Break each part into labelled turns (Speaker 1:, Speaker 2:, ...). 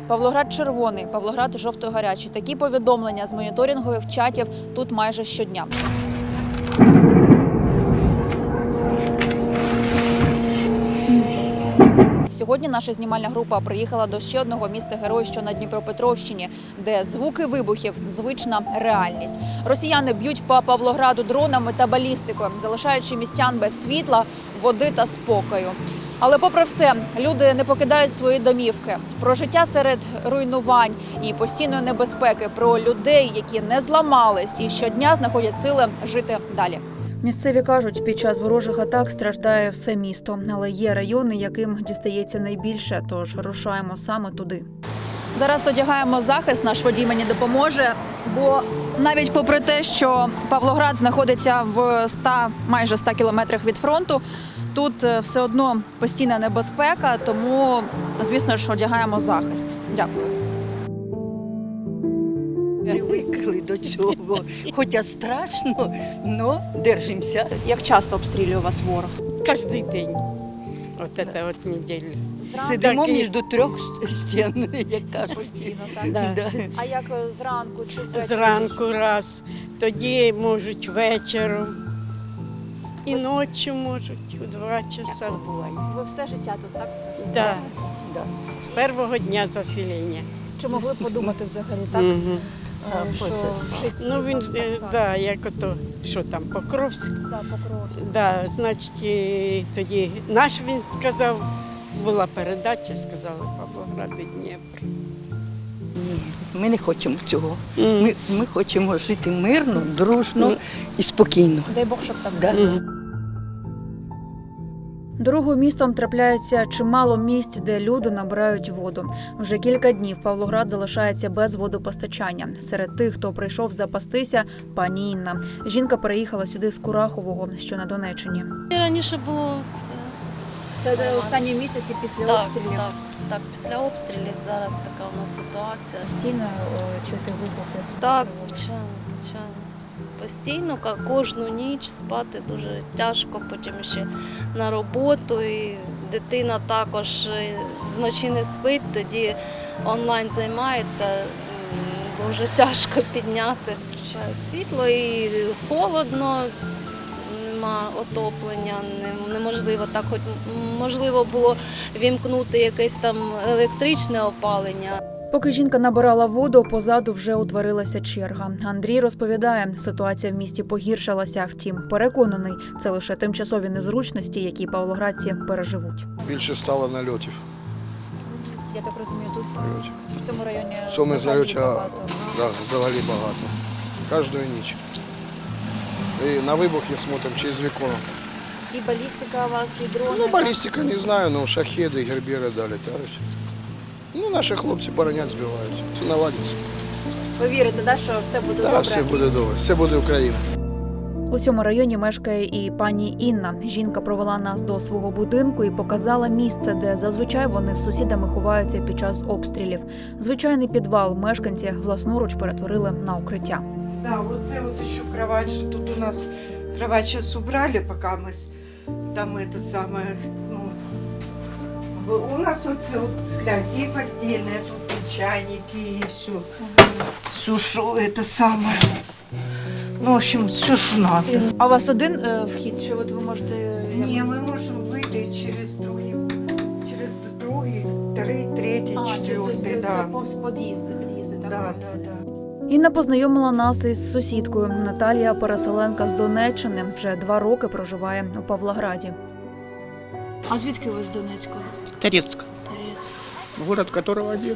Speaker 1: Павлоград червоний, Павлоград жовто-гарячий. Такі повідомлення з моніторингових чатів тут майже щодня. Сьогодні наша знімальна група приїхала до ще одного міста-героя, що на Дніпропетровщині, де звуки вибухів – звична реальність. Росіяни б'ють по Павлограду дронами та балістикою, залишаючи містян без світла, води та спокою. Але попри все, люди не покидають свої домівки. Про життя серед руйнувань і постійної небезпеки, про людей, які не зламались і щодня знаходять сили жити далі. Місцеві кажуть, під час ворожих атак страждає все місто, але є райони, яким дістається найбільше, тож рушаємо саме туди. Зараз одягаємо захист, наш водій мені допоможе, бо навіть попри те, що Павлоград знаходиться в майже 100 кілометрах від фронту, тут все одно постійна небезпека, тому, звісно ж, одягаємо захист. Дякую.
Speaker 2: Привикли до цього, хоча страшно, але держимося.
Speaker 1: Як часто обстрілює вас ворог?
Speaker 3: Кожен день. Це от неділя.
Speaker 2: Сидимо між трьох стін, як кажуть.
Speaker 1: Постійно, так?
Speaker 3: Да.
Speaker 2: Да.
Speaker 1: А як зранку чи ввечері?
Speaker 3: Зранку раз, тоді можуть вечором. І ночі можуть, у 2 часа.
Speaker 1: Ви все життя тут, так?
Speaker 3: Да.
Speaker 2: Да.
Speaker 3: З першого дня заселення.
Speaker 1: Чи могли подумати взагалі так,
Speaker 3: Мгм.
Speaker 1: що в житті?
Speaker 3: Ну він,
Speaker 1: так стане?
Speaker 3: да, як ото, що там, Покровськ.
Speaker 1: Да, Покровськ.
Speaker 3: Да, значить, і тоді наш він сказав, була передача, сказали Павлоград і Дніпро.
Speaker 2: Ні, ми не хочемо цього. Ми хочемо жити мирно, дружно і спокійно.
Speaker 1: Дай Бог, щоб так
Speaker 2: Да.
Speaker 1: було. Дорогою містом трапляється чимало місць, де люди набирають воду. Вже кілька днів Павлоград залишається без водопостачання. Серед тих, хто прийшов запастися, пані Інна. Жінка переїхала сюди з Курахового, що на Донеччині.
Speaker 4: Раніше було все.
Speaker 1: Це останні місяці після
Speaker 4: Так, після обстрілів зараз така у нас ситуація.
Speaker 1: Постійно чути вибухи.
Speaker 4: Так, звичайно. Постійно, кожну ніч спати дуже тяжко, потім ще на роботу. І дитина також вночі не спить, тоді онлайн займається. Дуже тяжко підняти. Включають світло і холодно, нема отоплення, неможливо так, хоч можливо було вімкнути якесь там електричне опалення.
Speaker 1: Поки жінка набирала воду, позаду вже утворилася черга. Андрій розповідає, ситуація в місті погіршилася. Втім, переконаний, це лише тимчасові незручності, які павлоградці переживуть.
Speaker 5: Більше стало нальотів.
Speaker 1: Я так розумію, тут в цьому районі
Speaker 5: В цьому
Speaker 1: взагалі
Speaker 5: взагалі
Speaker 1: багато.
Speaker 5: взагалі багато. Кожної ніч. І на вибухи смотримо через вікно.
Speaker 1: І балістика у вас, і дрони.
Speaker 5: Ну, балістика не знаю, але шахеди, гербери долітають. Ну, наші хлопці боронять, збивають. Все наладиться.
Speaker 1: Ви вірите, да, що все буде
Speaker 5: Так,
Speaker 1: добре?
Speaker 5: все буде добре. Все буде Україна.
Speaker 1: У цьому районі мешкає і пані Інна. Жінка провела нас до свого будинку і показала місце, де зазвичай вони з сусідами ховаються під час обстрілів. Звичайний підвал мешканці власноруч перетворили на укриття.
Speaker 6: Да, вот це вот еще кровать, что тут у нас кровать сейчас убрали, пока мы там это самое, ну, у нас вот це вот, гляньте, и постельная, тут и чайники, и все, что это самое, ну, в общем, все, что надо.
Speaker 1: А у вас один вхід, чи от ви можете...
Speaker 6: Не, мы можем выйти через другий, третій, четвертий, да.
Speaker 1: повз під'їзди, так?
Speaker 6: Да.
Speaker 1: Інна познайомила нас із сусідкою. Наталія, переселенка з Донеччини, вже 2 роки проживає у Павлограді. А звідки ви з Донецька?
Speaker 7: Торецк, город которого один.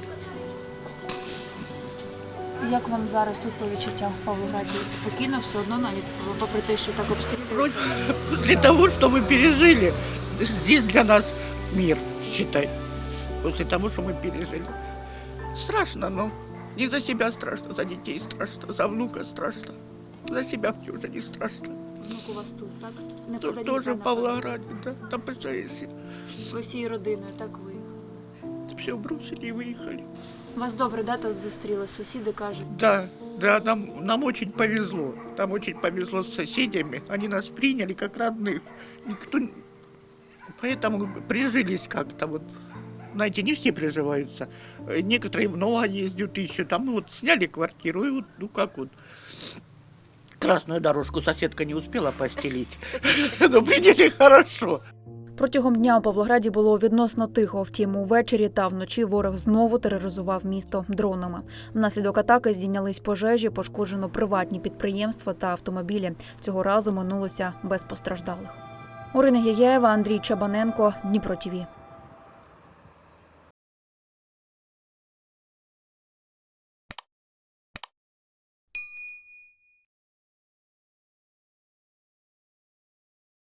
Speaker 1: Як вам зараз тут по відчуттям в Павлограді? Спокійно, все одно, навіть попри те, що так обстрілюють?
Speaker 7: После того, что мы пережили, здесь для нас мир, считай. После того, что мы пережили. Страшно, но не за себя страшно, за детей страшно, за внука страшно. За себя мне уже не страшно.
Speaker 1: Внук у вас тут, так? Не
Speaker 7: Тут тоже в Павлограде, да, там представляете,
Speaker 1: Ви всією родиною так виїхали?
Speaker 7: все бросили и выехали.
Speaker 1: Вас добре, да, тут зустріли? Сусіди кажуть.
Speaker 7: Да, нам очень повезло. Нам очень повезло с соседями. Они нас приняли как родных. Никто... Поэтому прижились как-то вот. знаете, не все приживаются. Некоторые много ездят, ищут. Там вот сняли квартиру, и вот, ну как вот. Красную дорожку соседка не успела постелить. Но приняли хорошо.
Speaker 1: Протягом дня у Павлограді було відносно тихо. Втім, увечері та вночі ворог знову тероризував місто дронами. Внаслідок атаки здійнялись пожежі, пошкоджено приватні підприємства та автомобілі. Цього разу минулося без постраждалих. Орина Яєва, Андрій Чабаненко, Дніпро ТІВІ.